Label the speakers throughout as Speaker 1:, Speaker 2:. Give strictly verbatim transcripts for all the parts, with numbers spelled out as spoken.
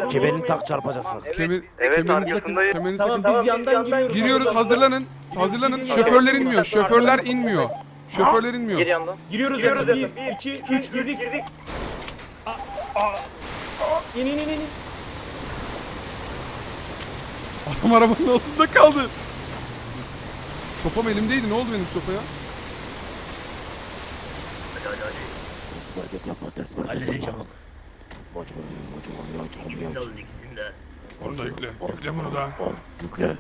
Speaker 1: Kemerini tak, çarpacaksın.
Speaker 2: Kemer,
Speaker 3: Evet,
Speaker 2: kemerinizi takın,
Speaker 3: arkasındayım.
Speaker 2: kemerinizi
Speaker 4: Tamam
Speaker 2: takın.
Speaker 4: biz yandan giriyoruz.
Speaker 2: Giriyoruz, hazırlanın. Hazırlanın. Şoförler inmiyor, şoförler inmiyor. Şoförler inmiyor.
Speaker 3: Geri yandan.
Speaker 4: Giriyoruz
Speaker 3: Giriyoruz
Speaker 4: zaten.
Speaker 3: zaten.
Speaker 4: bir, iki, üç girdik.
Speaker 3: girdik.
Speaker 4: İn in in in.
Speaker 2: Adam arabanın altında kaldı. Sopam elimdeydi. Ne oldu benim sopaya?
Speaker 1: Halledeceğim.
Speaker 2: Onu da yükle. Yükle bunu da.
Speaker 1: Yükle.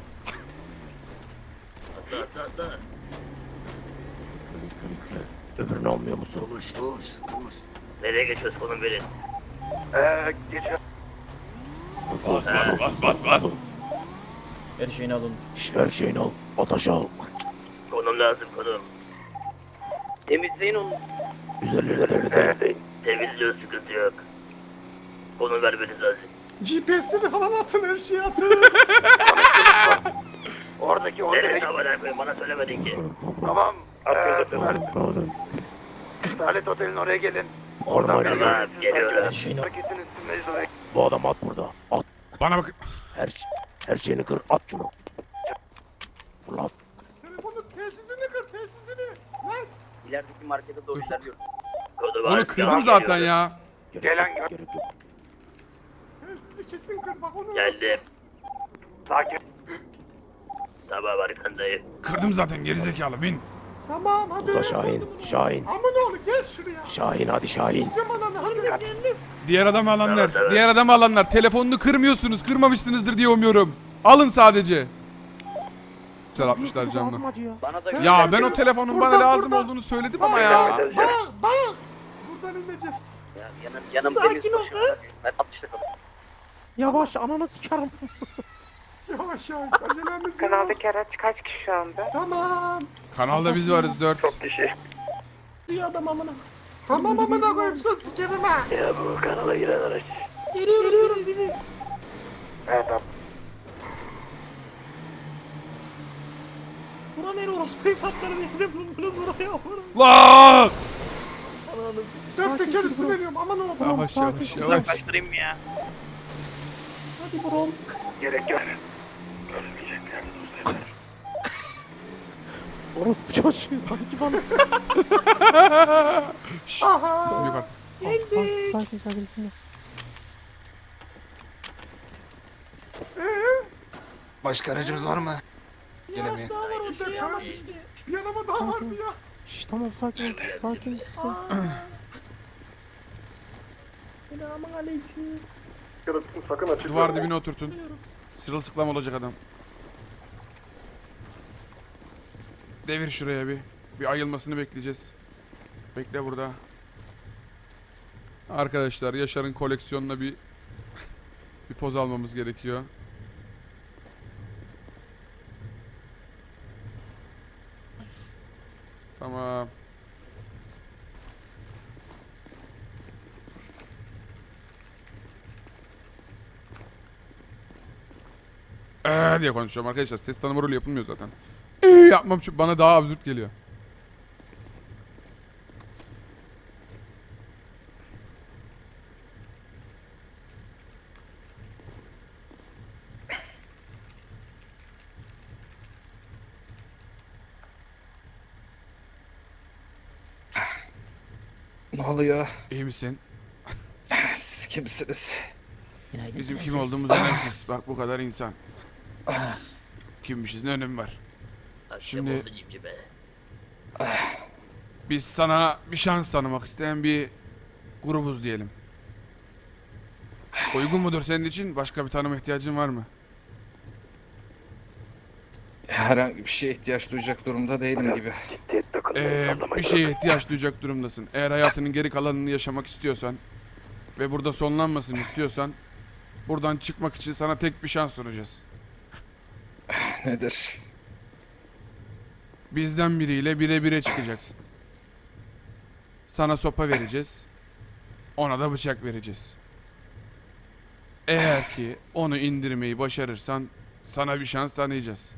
Speaker 5: Atla atla atla.
Speaker 1: Öbürünü almıyor musun?
Speaker 5: Konuş konuş konuş. Nereye geçiyoruz konum verin.
Speaker 3: Eee geçiyor.
Speaker 2: Bas bas bas bas bas.
Speaker 4: Her şeyini alın.
Speaker 1: İş ver şeyini al. Ataş al.
Speaker 5: Konum lazım konum. Temizleyin onu.
Speaker 1: Üzerlerine temizle.
Speaker 5: Temizliyor sıkıntı yok. Konum vermeniz lazım.
Speaker 4: G P S'leri falan atın, her şeyi atın.
Speaker 3: Oradaki
Speaker 5: Nereye
Speaker 3: oraya
Speaker 5: haber koyayım bana söylemedin ki.
Speaker 3: Tamam.
Speaker 5: Atıyoruz,
Speaker 3: Eee,
Speaker 5: atıyoruz.
Speaker 3: Salet Otel'in oraya gelin.
Speaker 1: Oradan
Speaker 3: bir-
Speaker 5: Tamam geliyorlar.
Speaker 1: Her şeyini al.
Speaker 3: Paketin üstündeyiz oraya.
Speaker 1: Bu adam at burada. At.
Speaker 2: Bana bakın.
Speaker 1: Her, her şeyini kır. At şunu. Ulan.
Speaker 4: Telefonun telsizini kır, telsizini. Lan.
Speaker 3: İlerideki markete doğru ilerliyoruz.
Speaker 5: Kodu var.
Speaker 2: Onu kırdım zaten ya.
Speaker 1: Gerek
Speaker 3: Gelen
Speaker 1: yok,
Speaker 3: gör.
Speaker 1: gerek yok.
Speaker 4: Telsizi kesin kır, bak onu.
Speaker 5: Geldim.
Speaker 3: Sakin.
Speaker 5: Tamam arkandayım.
Speaker 2: Kırdım zaten gerizekalı bin.
Speaker 4: Tamam hadi.
Speaker 1: Uza Şahin. Şahin.
Speaker 4: Aman oğlum gel şuraya.
Speaker 1: Şahin hadi Şahin.
Speaker 4: Cem ananı hadi. Geldim.
Speaker 2: Diğer adamı alanlar.
Speaker 5: Evet, evet.
Speaker 2: Diğer adamı alanlar. Telefonunu kırmıyorsunuz. Kırmamışsınızdır diye umuyorum. Alın sadece. Güzel atmışlar camdan.
Speaker 3: Bana da
Speaker 2: Ya ben o telefonun bana
Speaker 4: Buradan,
Speaker 2: lazım
Speaker 4: buradan.
Speaker 2: olduğunu söyledim ama ya.
Speaker 4: Bak bak. Buradan ineceğiz.
Speaker 3: Ya, yanım, yanım
Speaker 4: Sakin
Speaker 3: temiz
Speaker 4: ol
Speaker 3: başım.
Speaker 4: kız.
Speaker 3: Ben altmışta kaldım.
Speaker 6: Yavaş, ananı sikerim.
Speaker 4: Yavaş yavaş. Acelemiz yok.
Speaker 7: Kanaldaki araç kaç kişi şu anda?
Speaker 4: Tamam.
Speaker 2: Kanalda biz varız dört.
Speaker 3: Çok kişi.
Speaker 6: Diyor adam amına.
Speaker 4: Tamam amına koyayım, sus sikerim ha.
Speaker 5: Ya bu kanala giren araç.
Speaker 6: Geliyorum, geliyorum bizi.
Speaker 3: Evet tamam.
Speaker 6: Bura nere orospu evlatları nerede bulundunuz buraya vurun.
Speaker 2: La!
Speaker 4: Dört teker üstü veriyorum, aman oğlum.
Speaker 2: Yavaş yavaş yavaş.
Speaker 3: Kaçtırayım ya.
Speaker 6: Hadi buram.
Speaker 3: Gerek yok.
Speaker 6: Orospu çocuğu sanki bana.
Speaker 2: Şşş.
Speaker 4: Aha.
Speaker 2: İsim yok artık.
Speaker 6: Sakin, sakin, sakin isim yok.
Speaker 8: Başka aracımız var mı? Gelemeyin.
Speaker 6: Daha var o şey ama işte.
Speaker 4: Yanıma daha vardı ya.
Speaker 6: Şşş tamam sakin ol, sakin ol. Selamun aleyküm.
Speaker 3: Sakın açık.
Speaker 2: Duvar dibine oturtun. Sırılsıklam olacak adam. Devir şuraya bir. Bir ayılmasını bekleyeceğiz. Bekle burada. Arkadaşlar Yaşar'ın koleksiyonuna bir bir poz almamız gerekiyor. Tamam. Eee diye konuşuyorum arkadaşlar. Ses tanıma rolü yapılmıyor zaten. Eee yapmam çünkü bana daha absürt geliyor.
Speaker 8: Ne oluyor?
Speaker 2: İyi misin?
Speaker 8: Siz kimsiniz?
Speaker 2: Bizim kim olduğumuz önemsiz. Bak bu kadar insan. Kimmişiz ne önemi var?
Speaker 5: Akşam
Speaker 2: Şimdi-
Speaker 5: oldu cimcime.
Speaker 2: Biz sana bir şans tanımak isteyen bir grubuz diyelim. Uygun mudur senin için? Başka bir tanıma ihtiyacın var mı?
Speaker 8: Herhangi bir şeye ihtiyaç duyacak durumda değilim gibi.
Speaker 2: Ee, bir şeye ihtiyaç duyacak durumdasın. Eğer hayatının geri kalanını yaşamak istiyorsan ve burada sonlanmasını istiyorsan buradan çıkmak için sana tek bir şans sunacağız.
Speaker 8: Nedir?
Speaker 2: Bizden biriyle bire bire çıkacaksın. Sana sopa vereceğiz. Ona da bıçak vereceğiz. Eğer ki onu indirmeyi başarırsan sana bir şans tanıyacağız.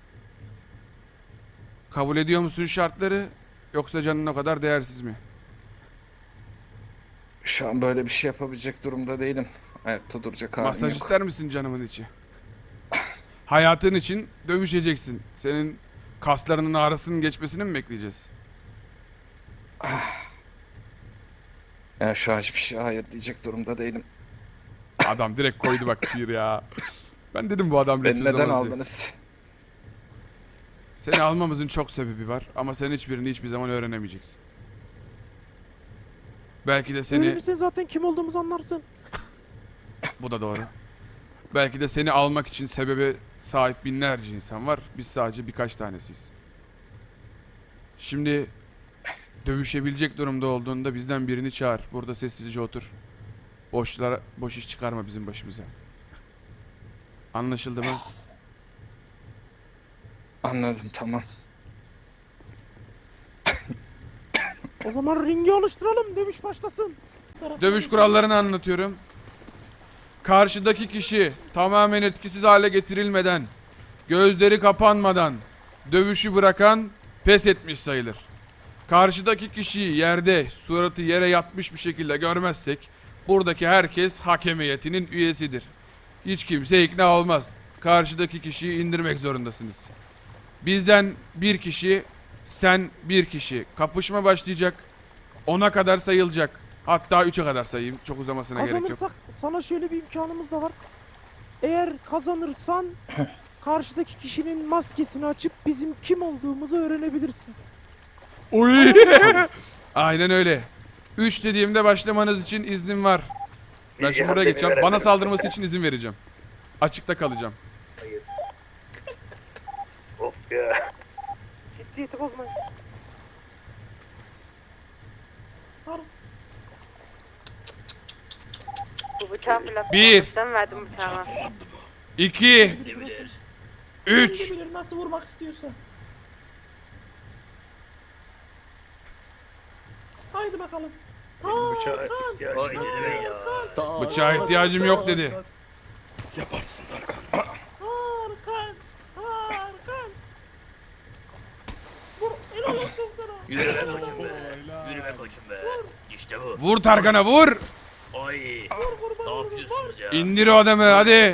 Speaker 2: Kabul ediyor musun şartları yoksa canın o kadar değersiz mi?
Speaker 8: Şu an böyle bir şey yapabilecek durumda değilim. Ayakta duracak halim
Speaker 2: Masaj
Speaker 8: yok.
Speaker 2: ister misin canımın içi? Hayatın için dövüşeceksin. Senin kaslarının ağrısının geçmesini mi bekleyeceğiz?
Speaker 8: Ya şu an hiçbir şey hayır diyecek durumda değilim.
Speaker 2: Adam direkt koydu bak bir ya. Ben dedim bu adam
Speaker 8: Beni neden
Speaker 2: lafızlamaz diye.
Speaker 8: aldınız?
Speaker 2: Seni almamızın çok sebebi var ama sen hiçbirini hiçbir zaman öğrenemeyeceksin. Belki de seni...
Speaker 6: Ölürsen zaten kim olduğumuzu anlarsın.
Speaker 2: Bu da doğru. Belki de seni almak için sebebe sahip binlerce insan var. Biz sadece birkaç tanesiyiz. Şimdi dövüşebilecek durumda olduğunda bizden birini çağır. Burada sessizce otur. Boşlara boş iş çıkarma bizim başımıza. Anlaşıldı mı?
Speaker 8: Anladım, tamam.
Speaker 6: O zaman ringi oluşturalım. Dövüş başlasın.
Speaker 2: Dövüş kurallarını anlatıyorum. Karşıdaki kişi tamamen etkisiz hale getirilmeden, gözleri kapanmadan dövüşü bırakan pes etmiş sayılır. Karşıdaki kişiyi yerde, suratı yere yatmış bir şekilde görmezsek, buradaki herkes hakem heyetinin üyesidir. Hiç kimse ikna olmaz. Karşıdaki kişiyi indirmek zorundasınız. Bizden bir kişi, sen bir kişi. Kapışma başlayacak. Ona kadar sayılacak. Hatta üçe kadar sayayım. Çok uzamasına gerek yok.
Speaker 6: Kazanırsak sana şöyle bir imkanımız da var. Eğer kazanırsan karşıdaki kişinin maskesini açıp bizim kim olduğumuzu öğrenebilirsin.
Speaker 2: Oy! Aynen öyle. Üç dediğimde başlamanız için iznim var. Ben şimdi buraya geçeceğim. Bana saldırması için izin vereceğim. Açıkta kalacağım.
Speaker 3: Of ya.
Speaker 6: Ciddiyeti bozmayın.
Speaker 7: Bu bıçağı fırlattım.
Speaker 2: Bir.
Speaker 7: Ben verdim bıçağıma.
Speaker 2: İki. Üç.
Speaker 6: Kim bilir nasıl vurmak istiyorsa. Haydi bakalım.
Speaker 3: Benim bıçağa ihtiyacım
Speaker 5: Oy
Speaker 3: yok.
Speaker 5: ne demek ya.
Speaker 2: Bıçağa ihtiyacım yok dedi.
Speaker 8: Yaparsın Tarkan.
Speaker 6: Harkan. Harkan. Vur. Helal olsun sana.
Speaker 5: Yürü be koçum be. Yürü be koçum be. İşte bu.
Speaker 2: Vur Tarkan'a vur.
Speaker 5: Oy. Ne yapıyorsunuz ya?
Speaker 2: İndir o adamı hadi.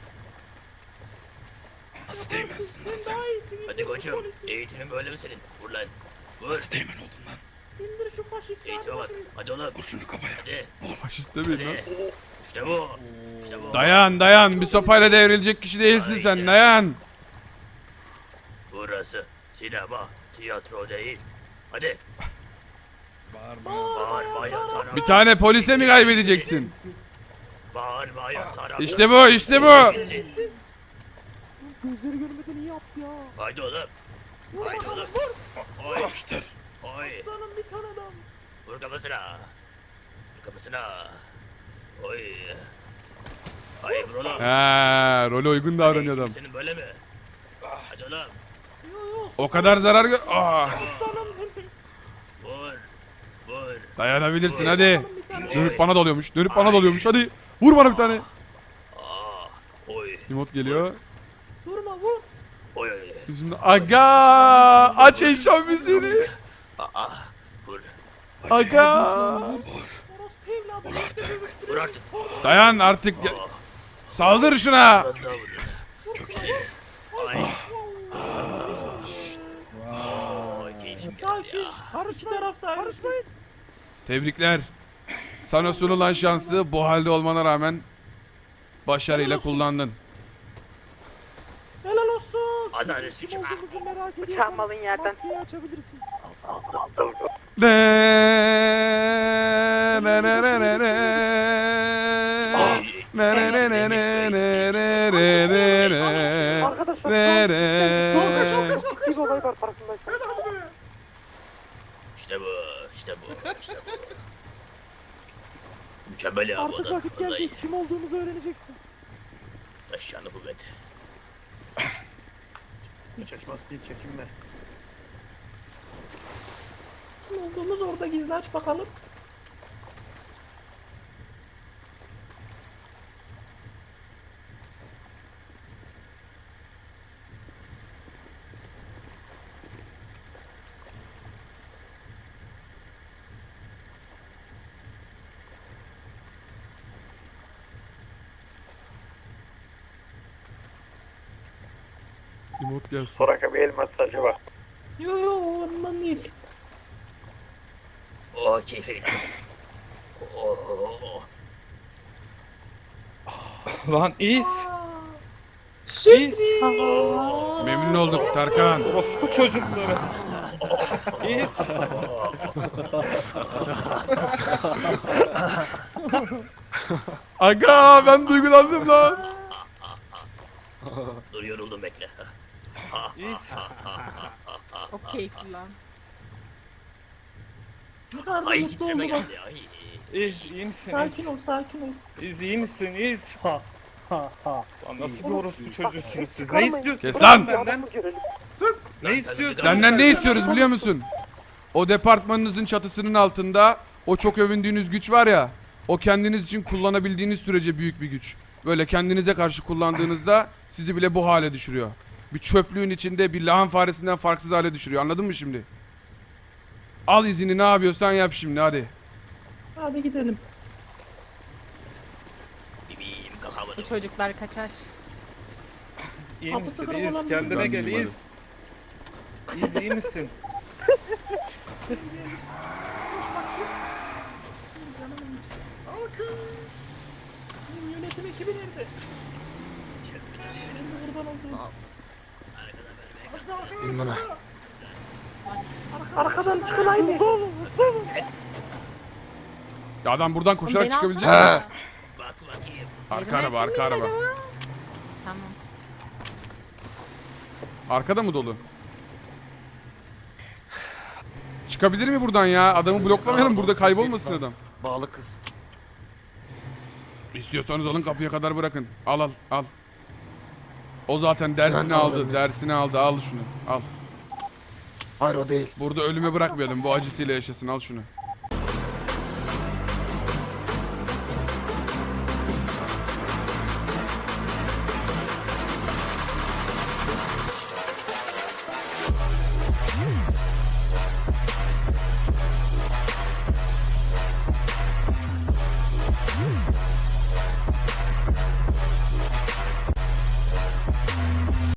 Speaker 8: Nasıl değmezsin lan
Speaker 6: Sen
Speaker 8: sen?
Speaker 6: daha iyisin.
Speaker 5: Hadi koçum. Eğitimin böyle mi senin? Vur lan. Vur.
Speaker 8: Nasıl değmen oldun lan?
Speaker 6: İndir şu faşisti.
Speaker 5: Eğitime bak. Hadi oğlum.
Speaker 8: Vur şunu kafaya.
Speaker 5: Hadi.
Speaker 2: Faşist demeyin lan.
Speaker 5: Hadi. İşte bu. İşte bu.
Speaker 2: Dayan dayan. Bir sopayla devrilecek kişi değilsin sen. Dayan.
Speaker 5: Burası sinema, tiyatro değil. Hadi.
Speaker 8: Bağırma.
Speaker 5: Bağırma yatara.
Speaker 2: Bir tane polise mi kaybedeceksin?
Speaker 5: Bağırma yatara.
Speaker 2: İşte bu işte bu.
Speaker 6: Gözleri görmeden iyi yaptı ya.
Speaker 5: Haydi oğlum.
Speaker 6: Vur
Speaker 5: Haydi
Speaker 6: bakalım
Speaker 5: oğlum.
Speaker 6: vur.
Speaker 5: Oy.
Speaker 8: Yapıştır.
Speaker 5: Oy.
Speaker 6: Aslanım bir tane adam.
Speaker 5: Vur kafasına. Vur kafasına. Oy. Ay vur oğlum.
Speaker 2: Ha, role uygun davranıyor adam.
Speaker 5: Senin böyle mi? Hadi oğlum.
Speaker 6: Yo yo.
Speaker 2: O kadar zarar gör... Ah,
Speaker 6: Aslanım.
Speaker 5: Vur. Vur.
Speaker 2: dayanabilirsin hadi.
Speaker 6: Bir tane.
Speaker 2: Dönüp bana dalıyormuş. Dönüp bana dalıyormuş. Hadi. Vur bana bir tane.
Speaker 5: Aa. Oy.
Speaker 2: Emot geliyor.
Speaker 6: Durma vur.
Speaker 5: Oy oy.
Speaker 2: Yüzünde aga aç eşya müziğini.
Speaker 5: Aa. Vur.
Speaker 2: Aga.
Speaker 6: Orospu evladı.
Speaker 8: Vur artık.
Speaker 5: Vur artık.
Speaker 2: Dayan artık. Ya- Saldır şuna.
Speaker 5: Biraz daha vur.
Speaker 8: Çok iyi.
Speaker 5: Ay. Oy keyfim geldi
Speaker 6: Sakin.
Speaker 5: ya.
Speaker 6: Karışmayın. tarafta. Karışmayın.
Speaker 2: Tebrikler. Sana sunulan şansı bu halde olmana rağmen başarıyla kullandın.
Speaker 6: Helal olsun.
Speaker 5: Adalet
Speaker 6: Kim
Speaker 5: sikim.
Speaker 6: olduğumuzu merak ediyorsan
Speaker 7: Bıçağımı alın yerden.
Speaker 6: maskeyi açabilirsin.
Speaker 2: Ne ne ne ne ne ne. Ne ne ne ne ne ne ne ne ne ne.
Speaker 6: Arkadaşlar.
Speaker 2: Ne ne.
Speaker 6: Ciddi bir olay var farkındaysan.
Speaker 5: İşte bu. İşte bu. İşte bu. Mükemmel ya bu
Speaker 6: Artık
Speaker 5: adam.
Speaker 6: vakit geldi.
Speaker 5: Vallahi
Speaker 6: Kim olduğumuzu öğreneceksin.
Speaker 5: taşyanı kuvvet.
Speaker 3: Hiç açmaz değil, çekinme.
Speaker 6: Kim olduğumuz orada gizli aç bakalım.
Speaker 2: Emot gelsin.
Speaker 3: Soraka bir el masajı var.
Speaker 6: Yo yo ondan değil.
Speaker 5: O keyfe gidelim. Oo.
Speaker 8: Lan iz. İz.
Speaker 2: Memnun olduk Tarkan.
Speaker 8: Orospu çocukları. İz.
Speaker 2: Aga ben duygulandım lan.
Speaker 5: Dur yoruldum bekle.
Speaker 8: İz.
Speaker 7: O keyifli lan.
Speaker 6: Ne kadar da
Speaker 5: Ay
Speaker 6: mutlu
Speaker 5: titreme
Speaker 6: oldu bak.
Speaker 5: geldi. Ay.
Speaker 8: İz iyi misin
Speaker 6: Sakin
Speaker 8: İz?
Speaker 6: ol sakin ol.
Speaker 8: İz iyi misin İz?
Speaker 4: Ha ha ha.
Speaker 8: Lan nasıl bir orospu çocuğusunuz siz? Ne
Speaker 6: Çıkarmayın.
Speaker 8: istiyorsunuz?
Speaker 2: Kes lan.
Speaker 8: Benden
Speaker 4: Sus.
Speaker 8: ne istiyorsun?
Speaker 2: Senden ne istiyoruz biliyor musun? O departmanınızın çatısının altında o çok övündüğünüz güç var ya. O kendiniz için kullanabildiğiniz sürece büyük bir güç. Böyle kendinize karşı kullandığınızda sizi bile bu hale düşürüyor. Bir çöplüğün içinde bir lahan faresinden farksız hale düşürüyor. Anladın mı şimdi? Al izini, ne yapıyorsan yap şimdi hadi.
Speaker 6: Hadi gidelim.
Speaker 5: Bebeğim kakamadım.
Speaker 7: Bu çocuklar kaçar.
Speaker 8: İyi
Speaker 6: Kapı
Speaker 8: misin
Speaker 6: tıkırı
Speaker 8: İz?
Speaker 6: olan
Speaker 8: Kendine
Speaker 2: bir-
Speaker 8: gel
Speaker 2: Ben
Speaker 8: İz. İz iyi misin?
Speaker 4: Alkış.
Speaker 6: Benim yönetim ekibi nerede? Benim buradan olduğum.
Speaker 1: İn bana.
Speaker 6: Arkadan çıkın haydi.
Speaker 2: Ya adam buradan koşarak
Speaker 7: Beni
Speaker 2: çıkabilecek
Speaker 7: alsana.
Speaker 2: mi?
Speaker 1: Ha.
Speaker 5: Bak bakayım.
Speaker 2: Arka araba, arka araba.
Speaker 7: Tamam.
Speaker 2: Arkada mı dolu? Çıkabilir mi buradan ya? Adamı bloklamayalım, burada kaybolmasın adam.
Speaker 1: Bağlı kız.
Speaker 2: İstiyorsanız alın, kapıya kadar bırakın. Al al al. O zaten dersini
Speaker 1: Ben
Speaker 2: aldı,
Speaker 1: alırım.
Speaker 2: dersini aldı. Al şunu. Al.
Speaker 1: Hayır o değil.
Speaker 2: Burada ölüme bırakmayalım. Bu acısıyla yaşasın. Al şunu.